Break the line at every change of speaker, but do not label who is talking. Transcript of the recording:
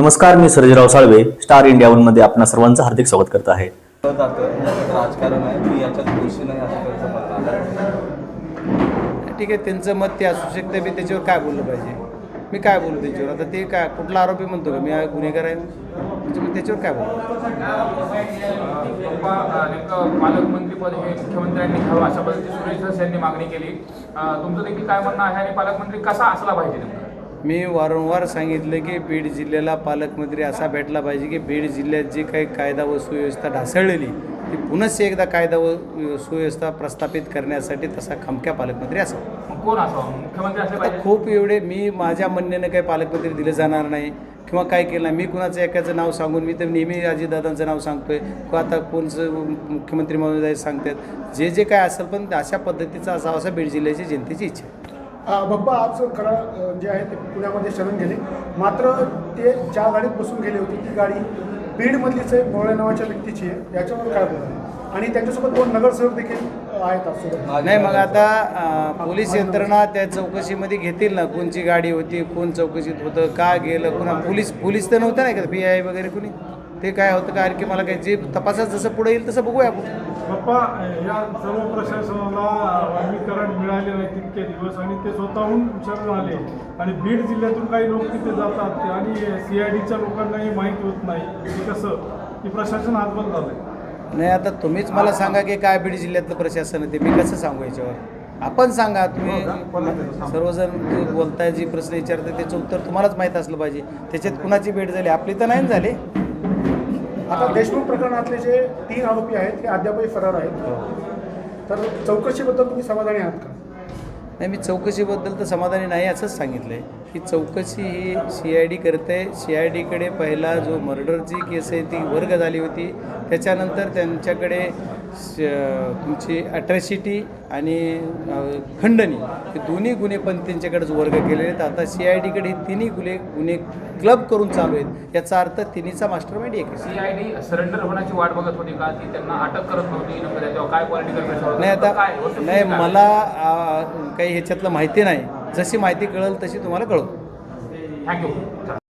नमस्कार, मी Sarjerao Salve, Star India one मध्ये आपणा सर्वांचं हार्दिक स्वागत करत आहे.
राजकारण आहे, मी याच्यात दोषी नाही असं त्यांचं मत आहे.
ठीक आहे, त्यांचं मत ते असू शकतं. मी त्याच्यावर काय बोललं पाहिजे? मी काय बोलू त्याच्यावर? आता ते काय कुठला आरोपी म्हणतो का मी गुन्हेगार आहे म्हणजे मी त्याच्यावर काय बोलू?
नेमकं पालकमंत्रीपद हे मुख्यमंत्र्यांनी घ्यावं अशा पद्धतीने सुरेश धस यांनी मागणी केली. तुमचं देखील काय म्हणणं आहे आणि पालकमंत्री कसा असला पाहिजे नेमकं?
मी वारंवार सांगितलं की बीड जिल्ह्याला पालकमंत्री असा भेटला पाहिजे की बीड जिल्ह्यात जी काही कायदा व सुव्यवस्था ढासळलेली ती पुन्हा एकदा कायदा व सुव्यवस्था प्रस्थापित करण्यासाठी तसा खमक्या पालकमंत्री असावा.
मग कोण असावं? मुख्यमंत्री असले
आता
पाहिजे?
खूप एवढे मी माझ्या म्हणण्यानं काही पालकमंत्री दिले जाणार नाही किंवा काय केलं नाही. मी कुणाचं एकाचं नाव सांगून मी तर नेहमी अजितदादांचं नाव सांगतोय किंवा आता कोणचं मुख्यमंत्री महोदय सांगतात जे काय असेल, पण अशा पद्धतीचा असावा असं बीड जिल्ह्याची जनतेची इच्छा आहे.
बाप्पा आज खरं जे आहे ते पुण्यामध्ये शरण गेले, मात्र ते ज्या गाडीत बसून गेले होते ती गाडी बीडमधलीच आहे, मोळे नावाच्या व्यक्तीची आहे. याच्यावर काय बोलणार? आणि त्यांच्यासोबत 2 नगरसेवक देखील आहेत आजसोबत.
नाही, मग आता पोलीस यंत्रणा त्या चौकशीमध्ये घेतील ना, कोणची गाडी होती, कोण चौकशीत होतं, का गेलं, पुन्हा पोलीस तर नव्हतं नाही का, PI वगैरे कोणी, ते काय होतं का आणखी मला काय जे तपासात जसं पुढे येईल तसं बघूया आपण.
बाप्पा, या सर्व प्रशासनाला वर्गीकरण मिळाले नाही तितके दिवस आणि ते स्वतःहून शरण आले आणि बीड जिल्ह्यातून काही लोक तिथे जातात आणि CIDच्या लोकांनाही माहीत होत नाही की कसं की प्रशासन हातबल झालं.
नाही, आता तुम्हीच मला सांगा की काय बीड जिल्ह्यातलं प्रशासन आहे ते मी कसं सांगू याच्यावर? आपण सांगा. तुम्ही सर्वजण बोलताय, जी प्रश्न विचारताय त्याचं उत्तर तुम्हालाच माहीत असलं पाहिजे. त्याच्यात कुणाची भेट झाली? आपली तर नाही झाली.
आता देशमुख प्रकरणातले जे 3 आरोपी आहेत ते अद्यापही फरार आहेत, तर चौकशीबद्दल तुम्ही समाधानी आहात का?
नाही, मी चौकशीबद्दल तर समाधानी नाही असंच सांगितलं आहे की चौकशी ही CID करते. CIDकडे पहिला जो मर्डरची केस आहे ती वर्ग झाली होती, त्याच्यानंतर त्यांच्याकडे तुमची अट्रॅसिटी आणि खंडणी हे दोन्ही गुन्हे पण त्यांच्याकडेच वर्ग केलेले आहेत. आता CIDकडे हे तिन्ही गुन्हे क्लब करून चालू आहेत. याचा अर्थ तिन्हीचा मास्टर माइंड एक आहे.
CID सरेंडर होण्याची वाट बघत होती का? ती त्यांना अटक करत नव्हती? नेमकं त्याच्यावर काय पॉलिटिकल प्रेशर होतं?
नाही, आता
काय
नाही, मला काही ह्याच्यातलं माहिती नाही. जशी माहिती कळेल तशी तुम्हाला कळवतो.
थँक्यू.